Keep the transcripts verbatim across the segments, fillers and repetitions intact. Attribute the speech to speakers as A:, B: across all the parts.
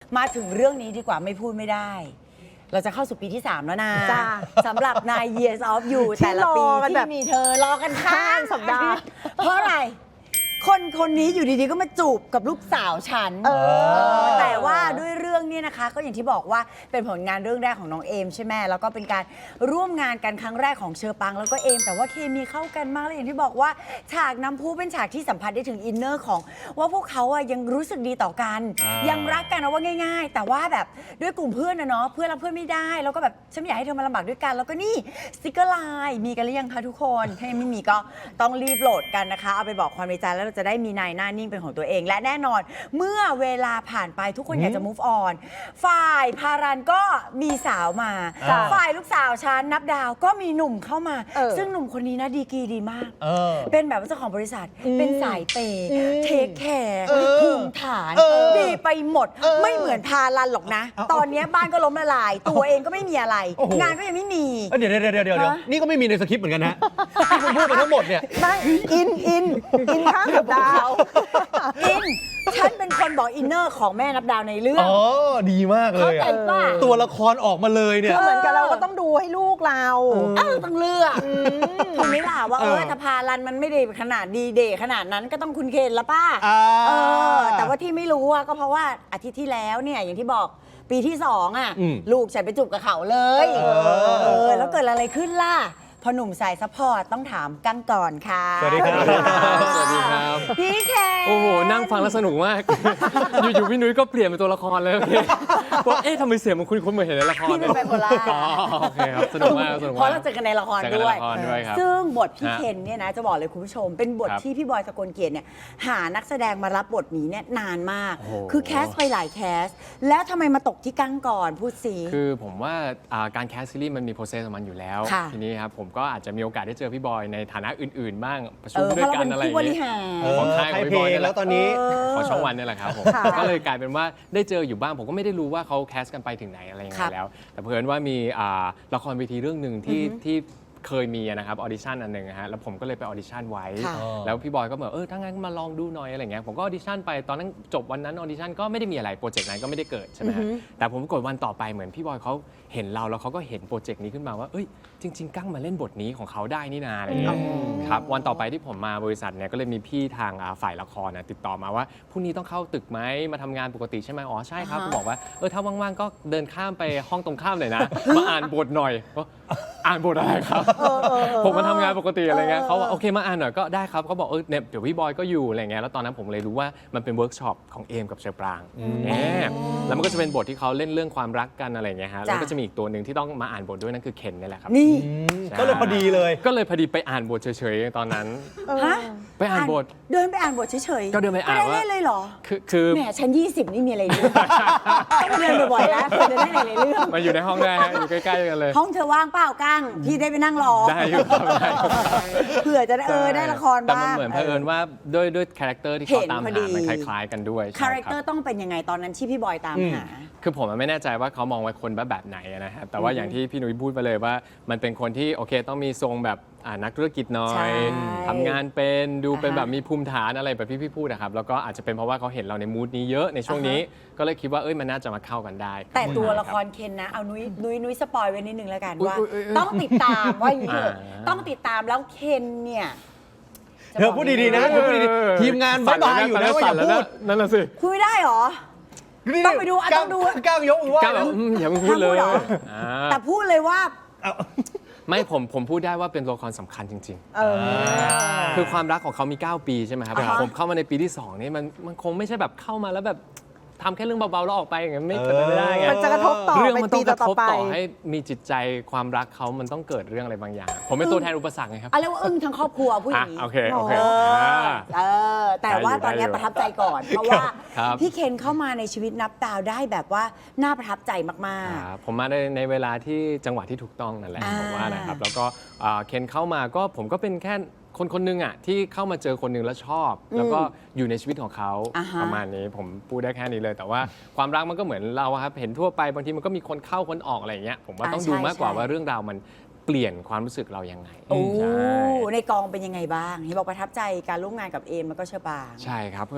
A: มาถึงเรื่องนี้ดีกว่าไม่พูดไม่ได้ เราจะเข้าสู่ปีที่สามแล้วนะสำหรับ nine years of you แต่ละปีที่มีเธอรอกันข้างสัปดาห์เพราะอะไรคนคนนี้อยู่ดีๆก็มาจูบกับลูกสาวฉันแต่ว่าด้วยเรื่องนี้นะคะก็อย่างที่บอกว่าเป็นผลงานเรื่องแรกของน้องเอมใช่ไหมแล้วก็เป็นการร่วมงานกันครั้งแรกของเชอปังแล้วก็เอมแต่ว่าเคมีเข้ากันมากเลยอย่างที่บอกว่าฉากน้ำพุเป็นฉากที่สัมผัสได้ถึงอินเนอร์ของว่าพวกเขาอะยังรู้สึกดีต่อกันยังรักกันนะว่าง่ายๆแต่ว่าแบบด้วยกลุ่มเพื่อนนะเนาะเพื่อนรับเพื่อนไม่ได้แล้วก็แบบฉันไม่อยากให้เธอมาลำบากด้วยกันแล้วก็นี่สติกเกอร์ไลน์มีกันหรือยังคะทุกคนถ้ายังไม่มีก็ต้องรีบโหลดกันนะคะเอาไปบอกความในใจแล้วจะได้มีนายหน้านิ่งเป็นของตัวเองและแน่นอนเมื่อเวลาผ่านไปทุกคนอยากจะ move on ฝ่ายพารันก็มีสาวมาฝ่ายลูกสาวฉันนับดาวก็มีหนุ่มเข้ามาซึ่งหนุ่มคนนี้นะดีกรีดีมากเป็นแบบเจ้าของบริษัทเป็นสายเปย์เทคแคร์ภูมิฐานดีไปหมดไม่เหมือนพารันหรอกนะตอนนี้บ้านก็ล้มละลายตัวเองก็ไม่มีอะไรงานก็ยังไม่มี
B: เดี๋ยวเดี๋ยวเดี๋ยวเดี๋ยวนี่ก็ไม่มีในสคริปต์เหมือนกันนะที่คุณพูดมาทั้งหมดเนี่ย
C: ไม่อินอินอินข้างกับดาว
A: อินฉันเป็นคนบอกอินเนอร์ของแม่นับดาวในเรื่อง
B: อ๋อดีมากเลยอะตัวละครออกมาเลยเนี่ย
C: เหมือนกับเราก็ต้องดูให้ลูกเรา
A: เออต้องเลือกทำไม่ล่ะว่าเออถ้าพารันมันไม่ได้ขนาดดีเดย์ขนาดนั้นก็ต้องคุณเคนละป้าเออแต่ว่าที่ไม่รู้อะก็เพราะว่าอาทิตย์ที่แล้วเนี่ยอย่างที่บอกปีที่สองอะลูกฉันไปจูบกับเขาเลยเออแล้วเกิดอะไรขึ้นล่ะพอหนุ่มสายซัพพอร์ตต้องถามกั้งก่อนค่ะ
B: สวัสดีครับ
D: สวัสดีครับ
A: พี่แค
D: โอ้โหนั่งฟังแล้วสนุกมาก อยู่ๆพี่นุ้ยก็เปลี่ยนเป็นตัวละครเลยว่าเอ๊ะทำไมเสียงมันคุ้นๆเหมือนเห็นในละคร
A: พี่เป็นไบโพล่า
D: โอเคครับสนุกมากสนุกมาก
A: เพราะเราเจอกันในละครด้วย
D: ครับ
A: ซึ่งบทพี่เคนเนี่ยนะจะบอกเลยคุณผู้ชมเป็นบทที่พี่บอยสกลเกียรติเนี่ยหานักแสดงมารับบทนี้เนี่ยนานมากคือแคสไปหลายแคสแล้วทำไมมาตกที่กั้งก่อนพูดสิ
D: คือผมว่าการแคสซีรีส์มันมีโปรเซสของมันอยู่แล้วทีนี้ครับผมก็อาจจะมีโอกาสได้เจอพี่บอยในฐานะอื่นๆบ้างประชุมด้วยกันอะไรอย่างเงี้ยของค่ายของพี่บอย
B: แล้วตอนนี้
D: ของช่องวันนี่แหละครับผมก็เลยกลายเป็นว่าได้เจออยู่บ้างผมก็ไม่ได้รู้ว่าเขาแคสกันไปถึงไหนอะไรยังไงแล้วแต่เพิ่นว่ามีละครเวทีเรื่องหนึ่งที่ที่เคยมีนะครับออดิชั่นอันหนึ่งฮะแล้วผมก็เลยไปออดิชั่นไว้แล้วพี่บอยก็บอกเออถ้างั้นมาลองดูหน่อยอะไรเงี้ยผมก็ออดิชั่นไปตอนนั้นจบวันนั้นออดิชั่นก็ไม่ได้มีอะไรโปรเจกต์นั้นก็ไม่ได้เกิดใช่ไหมฮะแต่ผมกดวันต่อไปเหมือนพี่บอยเขาเห็นเราแล้วเขาก็เห็นโปรเจกต์นี้ขึ้นมาว่าเอ้ยจริงๆกั้งมาเล่นบทนี้ของเขาได้นี่นาอะไรเงี้ยครับวันต่อไปที่ผมมาบริษัทเนี่ยก็เลยมีพี่ทางฝ่ายละครติดต่อมาว่าพรุ่งนี้ต้องเข้าตึกไหมมาทำงานปกติใช่ไหมอ๋อใช่ครับผมบอกว่าเออถ้าว่างๆก็เดินข้ามไปห้องตรงข้ามเลยนะมาอ่านบทหน่อยอ่านบทอะไรครับผมมาทำงานปกติอะไรเงี้ยเขาบอกโอเคมาอ่านหน่อยก็ได้ครับเขาบอกเออเนี่ยเดี๋ยวพี่บอยก็อยู่อะไรเงี้ยแล้วตอนนั้นผมเลยรู้ว่ามันเป็นเวิร์กช็อปของเอมกับเชอปรางแล้วมันก็จะเป็นบทที่เขาเล่นเรื่องความรักกันอะไรเงี้ยฮะแล้วก็จะมีอีกตัวหนึ่งที่ต้องมาอ่านบทด้วยนั่นคือเคนนี่แหละครับ
A: นี่
B: ก็เลยพอดีเลย
D: ก็เลยพอดีไปอ่านบทเฉยๆตอนนั้น
A: ฮะ
D: ไปอ่านบท
A: เดินไปอ่านบทเฉย
D: ๆก็เดินไปอ่านว่า
A: ได้เลยเหรอ
D: คือคือ
A: แหมฉันยี่สิบนี่มีอะไรเรื่องต้องเดินบ่อยๆแล้วเพื่อจะได้หลายๆเรื่อง
D: มาอยู่ในห้องได้อยู่ใกล้ๆกันเลย
A: ห้องเธอว่างเปล่ากั้งพี่ได้ไปนั่งรอ
D: ได้อยู่ครับ
A: เผื่อจะเออได้ละครบ้าง
D: แต่มันเหมือนเผอิญว่าด้วยด้วยคาแรคเตอร์ที่เขาตามหามันคล้ายๆกันด้วย
A: คาแรคเตอร์ต้องเป็นยังไงตอนนั้นที่พี่บอยตามหา
D: คือผมไม่แน่ใจว่าเขามองว่าคนแบบไหนนะครับแต่ว่าอย่างที่พี่นุ้ยพูดไปเลยว่ามันเป็นคนที่โอเคต้องมีทรงแบบนักธุรกิจหน่อยทำงานเป็นดูเป็นแบบมีภูมิฐานอะไรแบบที่พี่พูดนะครับแล้วก็อาจจะเป็นเพราะว่าเขาเห็นเราในมูดนี้เยอะในช่วงนี้ก็เลยคิดว่าเอ้ยมันน่าจะมาเข้ากันได้
A: แต่ตัวละครเคนนะเอานุ้ยนุ้ยนุ้ยสปอยไว้นิดนึงแล้วกันว่าต้องติดตามว่าอย่างนี้ต้องติดตามแล้วเคนเนี่ย
B: เธอพูดดีๆนะเธอพูดดีๆทีมงานบายบายอยู่นะว่าอย่าพูด
D: นั่นแหละสิ
A: คุยได้หรอต้องไปดูต้องดู
B: ก้าวยกมือว่า
D: อย่าพูดเลย
A: แต่พูดเลยว่า
D: ไม่ผมผมพูดได้ว่าเป็นตัวละครสำคัญจริงๆคือความรักของเขามีเก้าปีใช่ไหมครับผมเข้ามาในปีที่สองนี่มันมันคงไม่ใช่แบบเข้ามาแล้วแบบทำแค่เรื่องเบาๆแล้วออกไปอย่างเงี้ยไม่เกิดไม่ได้ไง
C: มันจะกระทบต่อ
D: เรื่องมันต้องกระทบต่อให้มีจิตใจความรักเขามันต้องเกิดเรื่องอะไรบางอย่างผมเป็นตัวแทนอุปสรรคไงครับ
A: อะไรว่าอึ้งทั้งครอบครัวผู้หญิง
D: โอเคโอเค
A: เออแต่ว่าตอนนี้ประทับใจก่อนเพราะว่าพี่เคนเข้ามาในชีวิตนับดาวได้แบบว่าน่าประทับใจมาก
D: ๆผมมาในในเวลาที่จังหวะที่ถูกต้องนั่นแหละผมว่านะครับแล้วก็เคนเข้ามาก็ผมก็เป็นแค่คนคนหนึ่งอ่ะที่เข้ามาเจอคนหนึ่งแล้วชอบแล้วก็อยู่ในชีวิตของเขาประมาณนี้ผมพูดได้แค่นี้เลยแต่ว่าความรักมันก็เหมือนเราครับเห็นทั่วไปบางทีมันก็มีคนเข้าคนออกอะไรอย่างเงี้ยผมว่าต้องดูมากกว่าว่าเรื่องราวมันเปลี่ยนความรู้สึกเรายังไง
A: โอ้ในกองเป็นยังไงบ้างเห็นบอกประทับใจการร่วมงานกับเอมแล้วก็เชอปาง
D: ใช่ครับคือค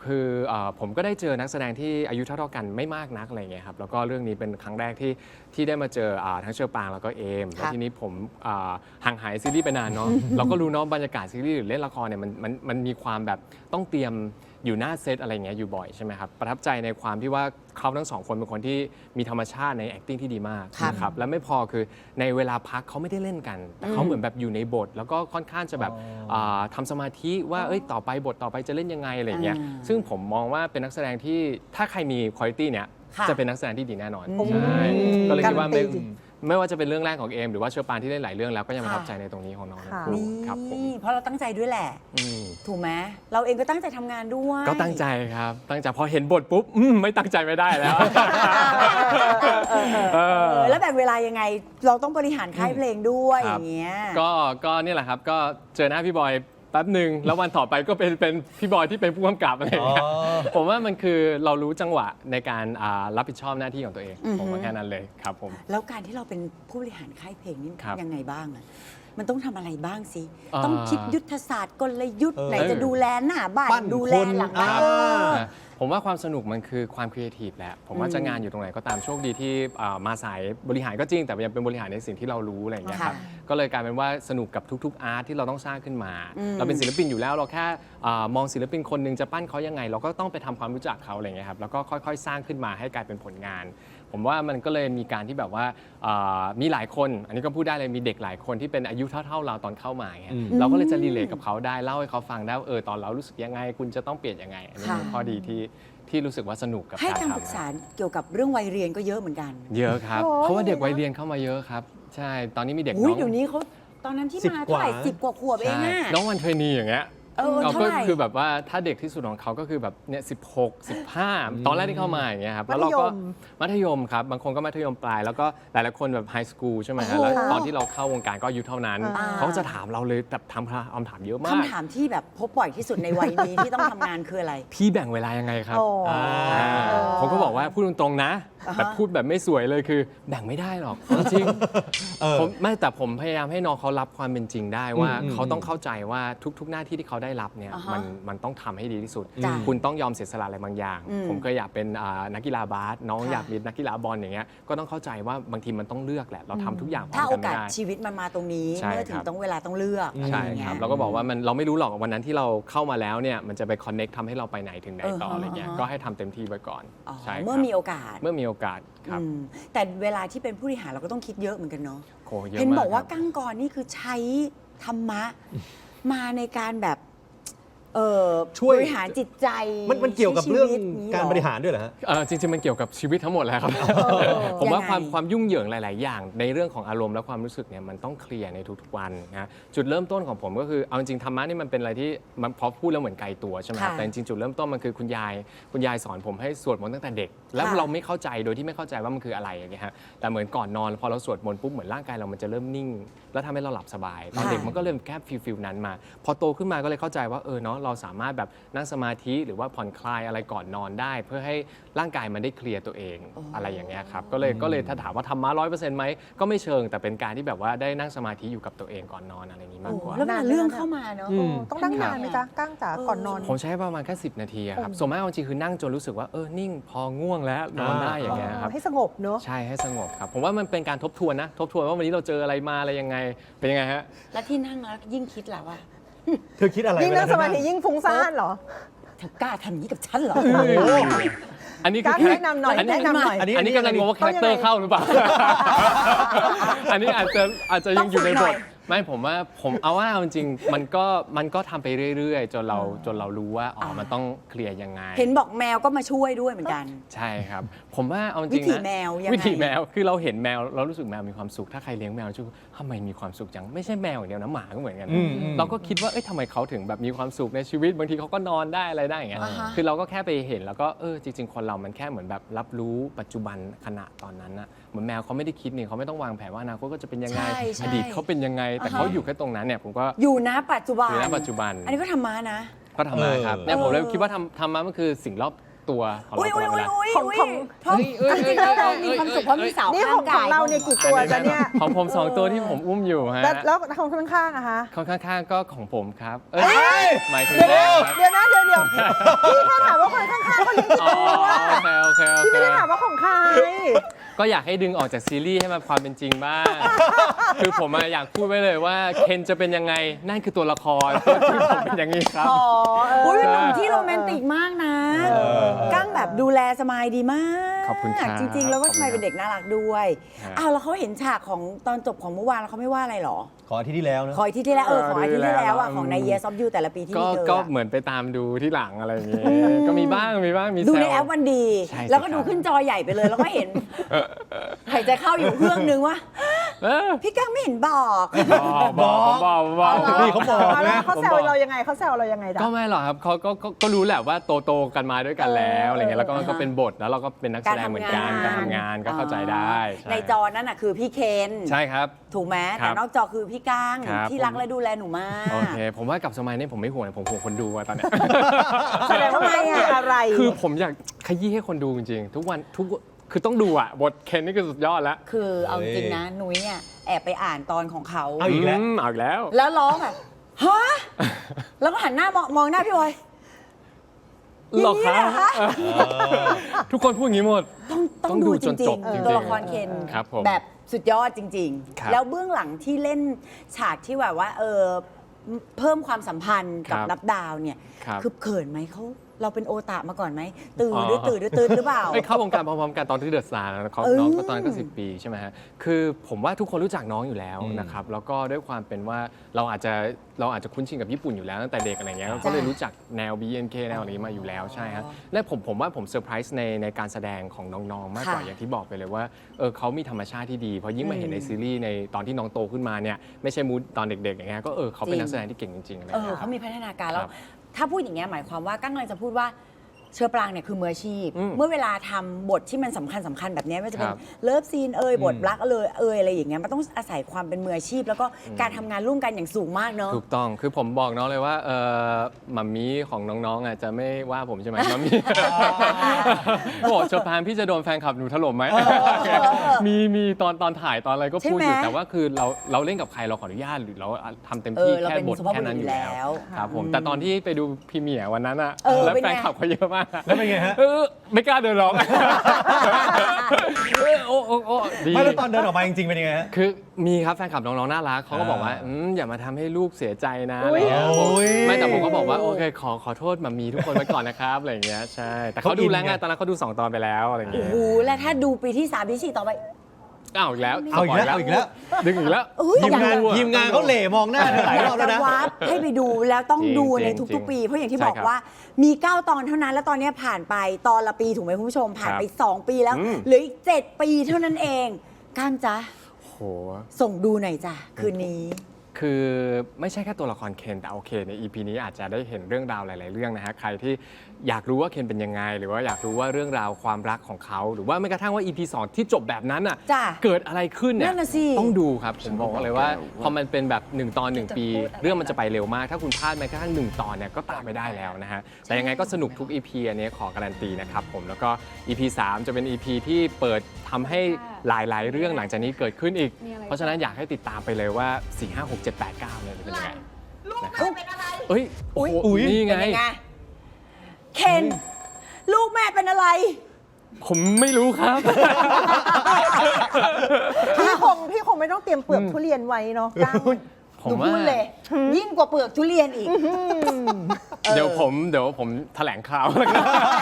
D: คือเอ่อผมก็ได้เจอนักแสดงที่อายุเท่าๆกันไม่มากนักอะไรเงี้ยครับแล้วก็เรื่องนี้เป็นครั้งแรกที่ที่ได้มาเจออ่าทั้งเชอปางแล้วก็เอมแล้วทีนี้ผมอ่าห่างหายซีรีส์ไปนานเนาะ เราก็รู้เนาะบรรยากาศซีรีส์หรือเล่นละครเนี่ยมันมันมันมีความแบบต้องเตรียมอยู่หน้าเซตอะไรเงี้ยอยู่บ่อยใช่ไหมครับประทับใจในความที่ว่าเขาทั้งสองคนเป็นคนที่มีธรรมชาติใน acting ที่ดีมากนะครับและไม่พอคือในเวลาพักเขาไม่ได้เล่นกันแต่เขาเหมือนแบบอยู่ในบท แล้วก็ค่อนข้างจะแบบาทำสมาธิว่าเอ้ยต่อไปบทต่อไปจะเล่นยังไงอะไรเงี้ยซึ่งผมมองว่าเป็นนักแสดงที่ถ้าใครมีคุณภาพเนี่ย
A: ค่ะ
D: จะเป็นนักแสดงที่ดีแน่นอนใช่ก็เลยคิดว่าไม่
C: การันตี
D: ไม่ว่าจะเป็นเรื่องแรกของเอมหรือว่าเชอปานที่เล่นหลายเรื่องแล้วก็ยังประทับใจในตรงนี้ของน้องทั้งคู่
A: นี่
D: ครับผม
A: เพราะเราตั้งใจด้วยแหละ
D: อืม
A: ถูกไหมเราเองก็ตั้งใจทำงานด้วย
D: ก็ตั้งใจครับตั้งใจพอเห็นบทปุ๊บอืมไม่ตั้งใจไม่ได้แล้ว
A: เออแล้วแบ่งเวลายังไง เราต้องบริหารค่ายเพลงด้วย
D: ค
A: อ
D: รับ
A: ย่างเงี้ย
D: ก็ก็เนี่ยแหละครับก็เจอหน้าพี่บอยแป๊บหนึ่งแล้ววันต่อไปก็เป็นเป็นพี่บอยที่เป็นผู้กำกับอะไรอย่างเงี้ย
B: อ๋อ
D: ผมว่ามันคือเรารู้จังหวะในการอ่ารับผิดชอบหน้าที่ของตัวเอง
A: อือฮึ
D: ผมว่าแค่นั้นเลยครับผม
A: แล้วการที่เราเป็นผู้บริหารค่ายเพลงนี่
D: ครับ
A: ยังไงบ้างอะมันต้องทำอะไรบ้างสิ
D: อ่า
A: ต้องคิดยุทธศาสตร์กลยุทธ์
B: เออ
A: ไหนจะดูแลหน้าบ้าน
B: ปั้น
A: ดูแล
B: คน
A: หลังบ้าน
B: อ่า
A: เออ
D: นะผมว่าความสนุกมันคือความครีเอทีฟแหละ ผมว่าจะงานอยู่ตรงไหนก็ตามโชคดีที่อ่ามาสายบริหารก็จริง แต่ยังเป็นบริหารในสิ่งที่เรารู้อะไรอย่างเงี้ยครับ
A: ค่ะ
D: ก็เลยกลายเป็นว่าสนุกกับทุกๆอาร์ตที่เราต้องสร้างขึ้นมา
A: อืม
D: เราเป็นศิลปินอยู่แล้วเราแค่อ่ามองศิลปินคนหนึ่งจะปั้นเขายังไง เราก็ต้องไปทำความรู้จักเขาอะไรอย่างเงี้ยครับแล้วก็ค่อยๆ สร้างขึ้นมาให้กลายเป็นผลงาน ผมว่ามันก็เลยมีการที่แบบว่าอ่ามีหลายคน อันนี้ก็พูดได้เลยมีเด็กหลายคนที่เป็นอายุเท่าๆเราตอนเข้ามาอย่างเงี้ย
B: อืม
D: เราก็เลยจะรีเลทกับเขาได้เล่าให้เขาฟังได้ว่าเออตอนเรารู้สึกยังไง คุณจะต้องเปลี่ยนยังไงอันนี้เป็น
A: ค่ะ
D: ข้อดีที่ที่รู้สึกว่าสนุกกับ
A: ให้
D: การ
A: คำปรึก
D: ทำ
A: ษาเกี่ยวกับเรื่องวัยเรียนก็เยอะเหมือนกัน
D: เยอะครับ
C: โอ้ย
D: เพราะว่าเด็กวัยเรียนเข้ามาเยอะครับ ใช่ ตอนนี้มีเด็ก
A: อุ้ย
D: น้อง
A: เดี๋ยวนี้เขาตอนนั้นที่
B: สิบ
A: มาเท่าไหร่
B: กว่า
A: สิบกว่าขวบเอง
D: ใช่
A: อะ
D: น้องวันเทรนนีอย่างเงี้ย
A: เออ
D: เรา
A: เท่า
D: ก็
A: ไหร่
D: คือแบบว่าถ้าเด็กที่สุดของเขาก็คือแบบเนี่ยสิบหก สิบห้าตอนแรกที่เข้ามาอย่างเงี้ยครับแล้วเราก็
C: มัธยม
D: มัธยมครับบางคนก็มัธยมปลาย แล้วก็หลายๆคนแบบไฮสคูลใช่ไหมฮะ
A: โอ้โห
D: แล้วตอนที่เราเข้าวงการก็อายุเท่านั้น
C: อ่า
D: เขาจะถามเราเลยแบบทำคำถามเยอะมาก
A: คำถามที่แบบพบบ่อยที่สุดในวัยนี้ ที่ต้องทำงานคืออะไร
D: พี่แบ่งเวลายังไงครับ
C: โอ้
B: อ่า
D: อ่าผมก็บอกว่าพูดตรงๆนะ
A: อ่าฮะ
D: แบบพูดแบบไม่สวยเลยคือแบ่งไม่ได้หรอกจริง
B: เออ
D: ผมไม่แต่ผมพยายามให้น้องเขารับความเป็นจริงได้ว่า
B: อืม
D: เขาต้องเข้าใจว่าทุก ๆ หน้าที่ที่เขาได้รับเนี่ย
A: อ่าฮะ
D: มันมันต้องทำให้ดีที่สุด
A: จ้ะ
D: คุณต้องยอมเสียสละอะไรบางอย่าง
A: อืม
D: ผมเคยอยากเป็นอ่านักกีฬาบาสน้อง
A: ค่ะ
D: อยากเป็นนักกีฬาบอลอย่างเงี้ยก็ต้องเข้าใจว่าบางทีมันต้องเลือกแหละเราทำทุกอย่างพร้อ
A: ถ้าม โอ
D: กันไม่
A: กาส
D: ได้
A: ชีวิตมันมาตรงนี้
D: ใช่
A: เมื่อถึ
D: ค
A: ง
D: รับ
A: ต้องเวลาต้องเลือกอะ
D: ใช่
A: ไอย่าง
D: ค
A: เงี้
D: รับ
A: ย
D: เราก็บอกว่ามันเราไม่รู้หรอกวันนั้นที่เราเข้ามาแล้วเนี่ยมันจะไปคอนเน็กทำให้เราไปไหนถึงไหนต่อ
A: เออฮะ
D: อะไรเงี้ย
A: อ่าฮะ
D: ก็ให้ทำเต็มที่ไว้ก่อน
A: อ๋อ
D: ใช่ครับ
A: เมื่อมีโอกาส
D: เมื่อมีโอกาสครับ
A: อืมแต่เวลาที่เป็นผู้บริหารเราก็ต้องคิดเยอะเหมือนกันเนาะ
D: โหเยอะ
A: เห็น
D: มาก
A: บอกว่า
D: ครับ
A: กั้งกรนี่คือใช้ธรรมะ มาในการแบบเออ
B: ช่วย
A: บริหารจิตใจ
B: มันมันเกี่ยวกับเรื่อง
A: ใช้ชีวิตนี้
B: การ
A: เห
B: บริหารด้วยเหรอฮะ
D: เออจริงๆ มันเกี่ยวกับชีวิตทั้งหมดแหละครับ ผมว่าความความยุ่งเหยิงหลาย ๆ อย่าง ในเรื่องของอารมณ์และความรู้สึกเนี่ยมันต้องเคลียร์ในทุกๆวันนะจุดเริ่มต้นของผมก็คือเอาจริงๆธรรมะนี่มันเป็นอะไรที่มันพอพูดแล้วเหมือนไกลตัวใช่ไหมครับ
A: ค่ะ
D: แต่จริงๆจุดเริ่มต้นมันคือคุณยายคุณยายสอนผมให้สวดมนต์ตั้งแต่เด็ก แล้ว
A: ค่ะ
D: เราไม่เข้าใจโดยที่ไม่เข้าใจว่ามันคืออะไรอย่างเงี้ยฮะแต่เหมือนก่อนนอนพอเราสวดมนต์ปุ๊บเหมือนร่างกายเรามันจะเริ่มนิ่ง แล้วทำให้เราหลับสบายตอนเด็กมันก็เริ่มแค่ฟิลฟิลนั้นมา พอโตขึ้นมาก็เลยเข้าใจว่าเออเนาะเราสามารถแบบนั่งสมาธิหรือว่าผ่อนคลายอะไรก่อนนอนได้ เพื่อให้ร่างกายมันได้เคลียร์ตัวเองอะไรอย่างเงี้ยครับก็เลยก็เลยถ้าถามว่าทำมาร้อยเปอร์เซ็นต์ไหมก็ไม่เชิงแต่เป็นการที่แบบว่าได้นั่งสมาธิอยู่กับตัวเองก่อนนอนอะไรอย่างนี้มากกว่า
A: แล้วเวลาเรื่องเข้ามาเนาะ
B: อืม
C: ต้องนั่งนานไหมจ๊ะก้างจ๋าก่อนนอน
D: ผมใช้ประมาณแค่สิบนาทีอะครับส่วนมากจริงๆคือนั่งจนรู้สึกว่าเออนิ่งพอง่วงแล้วนอนได้อย่างเงี้ยครับ
C: ให้สงบเนอะ
D: ใช่ให้สงบครับผมว่ามันเป็นการทบทวนนะทบทวนว่าวันนี้เราเจออะไรมาอะไรยังไงเป็นยังไงฮะ
A: แล้วที่นั่งแล้วยิ่งคิดแล้วว่า
B: เธอคิดอะไร
C: ยิ่ง
B: เวล
C: นั่งสมาธิ
B: เธอ
C: ยิ่งฟุ้งซ่านเหรอ
A: เธอกล้าทำอย่างนี้กับฉันเหรอ
D: อันนี้คื
C: ก้า
D: อง
C: แนะนำหน่อย
D: อันนี้
C: แนะนำหน่อย
B: อันนี้
D: อันนี้กำลังงงว่าคาแรคเตอร์เข้าหรือเปล่า อันนี้อาจจะอาจจะยังอยู่ในบทไม่ผมว่าผมเอาว่าเอาจริงๆมันก็มันก็ทำไปเรื่อยๆ จนเราจนเรารู้ว่าอ๋อมันต้องเคลียร์ยังไง
A: เห็นบอกแมวก็มาช่วยด้วยเหมือนกัน
D: ใช่ครับ ผมว่าเอาจริงๆนะ
A: วิถีแมวยังไง
D: วิถีแมวคือเราเห็นแมวเรารู้สึกแมวมีความสุขถ้าใครเลี้ยงแมวรู้สึกทำไมมีความสุขจังไม่ใช่แมวอย่างเดียวนะหมาก็เหมือนกัน
B: อืมอืม
D: เราก็คิดว่าเอ้ยทำไมเขาถึงแบบมีความสุขในชีวิตบางทีเขาก็นอนได้อะไรได้อย่างเงี้ย
A: อ่าฮะ
D: คือเราก็แค่ไปเห็นแล้วก็เออจริง ๆ คนเรามันแค่เหมือนแบบรับรู้ปัจจุบันขณะตอนนั้นนะเหมือนแมวเขาไม่ได้คิดนี่เขาไม่ต้องวางแผนว่าอนาคตก็จะเป็นยังไง
A: ใช่ใช่
D: อดีตเขาเป็นยังไง แต่
A: อ่าฮะ
D: เขาอยู่แค่ตรงนั้นเนี่ยผมก็
A: อยู่นะปัจจุบัน
D: อยู่ณปัจจุบัน
A: อันนี้ก็ธรรมะนะ
D: ก็ทำมาครับ
B: เออ
D: เนี่ยผมเลยคิดว่าทำทำมามันคือสิ่งรอบตัวของ
A: อุ้ย
D: เราต
A: อุ้
D: ล
A: ย
D: อด
A: อุ้
D: เวย ลา
A: อุ้ย
C: ของ
A: เพราะ
D: เอ้ยเอ้ย
A: จริงๆแล้วเรา
D: เอ้ย
A: มีความสุขเพราะมีสาว
C: นี่
A: ข้า
C: ของ ง
A: กาย
C: เราเนี่ยกี่ตัวจะเนี่ย
D: ของผมสองตัวที่ผมอุ้มอยู่ฮะ
C: แล้วแล้วของข้างๆอะคะ
D: ของข้างๆก็ของผมครับเอ้
B: เฮ้
D: ย
B: ย
D: หมายถึง
C: เดี๋ยว
D: แม่
C: นะเดี๋ยวนะเดี๋ยวเดี๋ยวพี่แค่ถามว่าคนข้างๆเขาเลี้ยงกี่
D: อ๋อ
C: ตัว
D: โอเคโอเคโอ
C: พี่
D: เค
C: ไม่ได้ถามว่าของใคร
D: ก็อยากให้ดึงออกจากซีรีส์ให้มันความเป็นจริงบ้าง คือผมอะอยากพูดไว้เลยว่าเคนจะเป็นยังไงนั่นคือตัวละครที่ผมเป็นอย่างนี้ครับ
C: อ๋อเออ
A: อุ้ยเป็นหนุ่มที่โรแมนติกมากนะ
B: เออ
A: กั้งแบบดูแลสมายดีมาก
D: ขอบคุณครับ
A: จริง ๆ แล้วก็
D: ขอบ
A: ส
D: คุณครับ
A: มายเป็นเด็กน่ารักด้วย
D: ฮะ
A: อ้าวแล้วเขาเห็นฉากของตอนจบของเมื่อวานแล้วเขาไม่ว่าอะไรหรอ
B: ขออาที่ที่แล้วนะ
A: ขออาทิตย์ที่แล้วเออขออาทิตย์ที่แล้วอ่ะ
D: เออ
A: ของใน Years of You แต่ละปีที่
D: ก็
A: มีเธอ
D: ก็
A: อะ
D: เหมือนไปตามดูที่หลังอะไรอย่างงี้ก็มีบ้างมีบ้างมี
A: ดู
D: แซ
A: ใน
D: ว
A: แอปวันดี
D: ใช่สิ
A: แล้วก็ดู
D: ครับ
A: ขึ้นจอใหญ่ไปเลย แล้วก็เห็นหายใจเข้าอยู่เครื่องนึงว่า
D: เออ
A: พี่กั้งไม่เห็นบอก
D: บอกบอกบอกบอก
B: นี่เขาบอก
C: เอาแล้ว
B: นะ
C: เขาแซวเรายังไงเขาแซวเรายังไงจ๊ะ
D: ก็ไม่หรอกครับเขาก็ก็ก็รู้แหละว่าโตโตๆกันมาด้วยกันแล้วอะไรเงี้ยแล้วก็
A: เออ
D: ก็เป็นบทแล้วเราก็เป็นนักแสดงเหมือนกันการทำงานก็เข้าใจได้ช่
A: ในจอนั้นน่ะคือพี่เคน
D: ใช่ครับ
A: ถูกไหม
D: ครั
A: แต่
D: บ
A: นอกจอคือพี่ก้าง
D: ครับ
A: ที่รักและดูแลหนูมาก
D: โอเคผมว่ากับสมัยนี้ผมไม่ห่วงผมห่วงคนดูอะตอนเนี้ย
C: แสดงว่ามันต้องมีอะไร
D: คือผมอยากขยี้ให้คนดูจริงๆ ทุกวันทุกคือต้องดูอ่ะ บทเคนนี่คือสุดยอดแล้ว
A: คือเอาจริงนะนุ้ยเนี่ยแอบไปอ่านตอนของเขา
B: เอาอีกแล้ว
D: มเอาอีกแล้ว
A: แล้วร้องแบบฮะแล้วก็หันหน้ามองมองหน้าพี่บอย
D: หรอ
A: อย่างนี้เหรอ
D: คะ
A: คะ
D: ทุกคนพูดอย่างนี้หมด
A: ต้องต้อง
D: ต้อง
A: ดู
D: ดู
A: จ
D: จน
A: ริ
D: จ
A: ง
D: บจริง
A: ๆ
D: ๆ
A: ตัวละครเคน
D: ครับผม
A: แบบสุดยอดจริง
D: ครับ
A: ๆ แล้วเบื้องหลังที่เล่นฉากที่แบบว่าเออเพิ่มความสัมพันธ์กับ
D: ครับ
A: นับดาวเนี่ย
D: ครับ
A: คือเขินไหมเขาเราเป็นโอตะมาก่อนไหมตื่น
D: อ๋อ
A: หรือตื่นหรือตื่นหรือเปล่า
D: เอ้ยเข้าวงการพร้อมๆกันตอนที่เดอะสตาร์นะเขา
A: เออ
D: น้องก็ตอนนั้นก็สิบปีใช่ไหมฮะคือผมว่าทุกคนรู้จักน้องอยู่แล้ว
B: อืม
D: นะครับแล้วก็ด้วยความเป็นว่าเราอาจจะเราอาจจะคุ้นชินกับญี่ปุ่นอยู่แล้วตั้งแต่เด็กอะไรเงี้ยก็เลยรู้จักแนว บี เอ็น เค แนวนี้มาอยู่แล้วใช่ฮะและผมผมว่าผมเซอร์ไพรส์ในในการแสดงของน้องๆมากกว่า
A: ค่ะ
D: อย่างที่บอกไปเลยว่าเออเขามีธรรมชาติที่ดีเพราะยิ่งมาเห็นในซีรีส์ในตอนที่น้องโตขึ้นมาเนี่ยไม่ใช่มูดตอนเด็กๆอย่างเงี้ยก็เออเขาเป็นนักแสดงที่เก่งจริงๆอะไร
A: เออ
D: เงี้ยครั
A: เขา
D: บ
A: มีพัฒนาการแล้
D: คว รับ
A: ถ้าพูดอย่างเงี้ยหมายความว่ากั้งเลยจะพูดว่าเชอปรางเนี่ยคือมืออาชีพ
D: อืม
A: เมื่อเวลาทำบทที่มันสำคัญสำคัญแบบเนี้ยไม่ว่าจะเป็น
D: ครับ
A: เลิฟซีนเอ่ยบท
B: อืม
A: รักเลยเอ่ยอะไรอย่างเงี้ยมันต้องอาศัยความเป็นมืออาชีพ แล้วก็การทำงานร่วมกันอย่างสูงมากเนาะ
D: ถูกต้อง คือผมบอกน้องเลยว่าเออมัมมี่ของน้องๆอ่ะจะไม่ว่าผมใช่ไหมมัมมี่ บอกเชอพานพี่จะโดนแฟนคลับหนูถล่มไหม มีมีตอนตอนถ่ายตอนอะไรก็พูดอยู่
A: ใช่ไหม
D: แต่ว่าคือเราเราเล่นกับใครเราขออนุญาตหรือเราทำเต็ม
A: เอ
D: ที่
A: อเรา
D: แค่
A: เป็น
D: บท
A: สุภาพ
D: แค่
A: บุรุษ
D: นั้น
A: อ
D: อยู่ ยู่
A: แล้
D: แล้ว
A: ว
D: ครับผม
A: อืม
D: แต่ตอนที่ไปดูพรีเมียร์วันนั้นอ่ะ
A: เออ
D: แล้ว
A: เป็น
D: แฟ
A: ไง
D: นคลับเขาเยอะมากอะ
B: แล้วเป็นไงฮะ
D: เออไม่กล้าเดินหรอกเออโอ้โอ้โอ้ดี
B: ไม่แล้วตอนเดินออกมาจริงๆเป็นยังไงฮะ
D: คือมีครับแฟนคลับน้องๆน่ารักเขาก็บอกว่า
B: อ่า
D: อืมอย่ามาทำให้ลูกเสียใจนะอะไรเงี้ย
B: โอ้ย
D: ไม่แต่ผมก็บอกว่าโอเคขอขอโทษมามีทุกคนไว้ก่อนนะครับอะไรเงี้ยใช่แต่เขา
B: เขาอิน
D: ดูแล้วไง
B: ไง
D: ตอนนั้นเขาดูสองตอนไปแล้วอะไร
A: โอ้
D: เงี้ย
A: โหแล้วถ้าดูปีที่สามปีที่สี่ต่อไป
D: อ้าวอีกแล้ว
B: เอาอีกแล้ว
D: สปย
B: เอาอีกแล้ว
D: ดึงอีกแล้ว
A: เอ้ย
B: ทีมงาน
D: ต้องดูอะ
B: ทีมงานเขาเหล่มองหน้าเธอหลาย
A: อยาร
B: อก บ
A: จะ
B: แล้วนะ
A: วาร์ปให้ไปดูแล้วต้อง
D: จริง
A: ดูใน
D: จริง
A: ทุกๆ ปี เพราะอย่างที่
D: ใช่
A: บอก
D: ครับ
A: ว่ามี เก้า ตอนเท่านั้น แล้วตอนนี้ผ่านไปตอนละปีถูกไหมคุณผู้ชมผ่านไป
D: ครับ
A: สอง ปีแล้ว
D: อืม
A: เหลืออีกเจ็ดปีเท่านั้นเองก้างจ๊ะ
D: โห
A: ส่งดูหน่อยจ้ะคืนนี้
D: คือไม่ใช่แค่ตัวละครเคนแต่โอเคใน อี พี นี้อาจจะได้เห็นเรื่องราวหลาย ๆ เรื่องนะฮะใครที่อยากรู้ว่าเคนเป็นยังไง หรือว่าอยากรู้ว่าเรื่องราวความรักของเขา หรือว่าแม้กระทั่งว่า อี พี สอง ที่จบแบบนั้นอ่ะ
A: จ้ะ
D: เกิดอะไรขึ้นเนี่
A: นั่
D: ย
A: นน่ะสิ
D: ต้องดูครับผมบอกเลยว่าพอมันเป็นแบบหนึ่งตอนหนึ่งปี เรื่องมันจะไปเร็วมาก ถ้าคุณพลาดแม้กระทั่งหนึ่งตอนเนี่ยก็ตามไม่ได้แล้วนะฮะแต่ยังไงก็สนุกทุก อี พี อันนี้ขอการันตีนะครับผมแล้วก็ อี พี สาม จะเป็น อี พี ที่เปิดทำให้หลาย ๆ เรื่องหลังจากนี้เกิดขึ้นอีก เพราะฉะนั้นอยากให้ติดตามไปเลยว่า สี่ ห้า หก เจ็ด แปด เก้าเนี่ยจะเป็นยังไงนะครับเอ้ยโอ้โห
B: อุ๊ย
D: นี่ไง
A: เป็นยังไงเคนลูกแม่เป็นอะไร
D: ผมไม่รู้ครับ
C: พี่คงพี่คงไม่ต้องเตรียมเปลือกทุเรียนไว้เนาะก้าง
D: ผม
A: หนู
D: ว่า
A: พูดเลย ยิ่งกว่าเปลือกทุเรียนอีก
D: เดี๋ยวผมเดี๋ยวผมแถลงข่าวแล้วกัน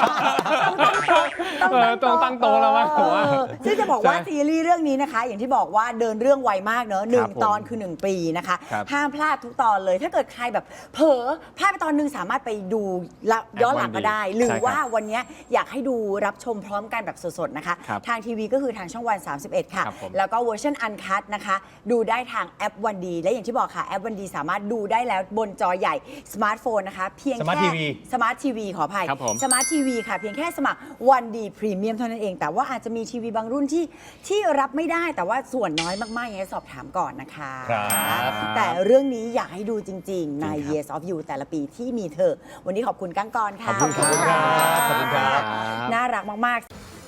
D: เออต้องตั้งโตะแล้วมั้งผมว่า
A: เออซึ่งจะบอกว่า
D: ใช่
A: ซีรีส์เรื่องนี้นะคะ อย่างที่บอกว่าเดินเรื่องไวมากเนอะหนึ่ง
D: ผม
A: ตอนคือ หนึ่ง ปีนะคะ
D: ครับ
A: ห้ามพลาดทุกตอนเลย ถ้าเกิดใครแบบเผลอพลาดไปตอนหนึงสามารถไปดูละย้อนหลังก็ได้ หรือ
D: ใช่ครับ
A: ว่าวันนี้อยากให้ดูรับชมพร้อมกันแบบสดๆนะคะ
D: ครับ
A: ทางทีวีก็คือทางช่องวัน สามสิบเอ็ด ค่ะ
D: ครับผม
A: แล้วก็เวอร์ชันอันคัตนะคะ ดูได้ทางแอปวันดี และอย่างที่บอกค่ะแอปวันดีสามารถดูได้แล้วบนจอใหญ่สมาร์ทโฟนนะคะ เพียง
B: Smart
A: แค่
B: ที วี
A: สมาร์ททีวีขออภัย
D: ครับผม
A: สมาร์ททีวีค่ะ เพียงแค่สมัครวันดีพรีเมียมเท่านั้นเอง แต่ว่าอาจจะมีทีวีบางรุ่นที่ที่รับไม่ได้แต่ว่าส่วนน้อยมากๆยังไงสอบถามก่อนนะคะ
B: ครับ
A: แต่เรื่องนี้อยากให้ดูจริงๆ ใน Years of You แต่ละปีที่มีเธอ วันนี้ขอบคุณก้างกรค่ะ
B: ขอบคุณครับขอบคุณครับ
A: น่ารักมากๆ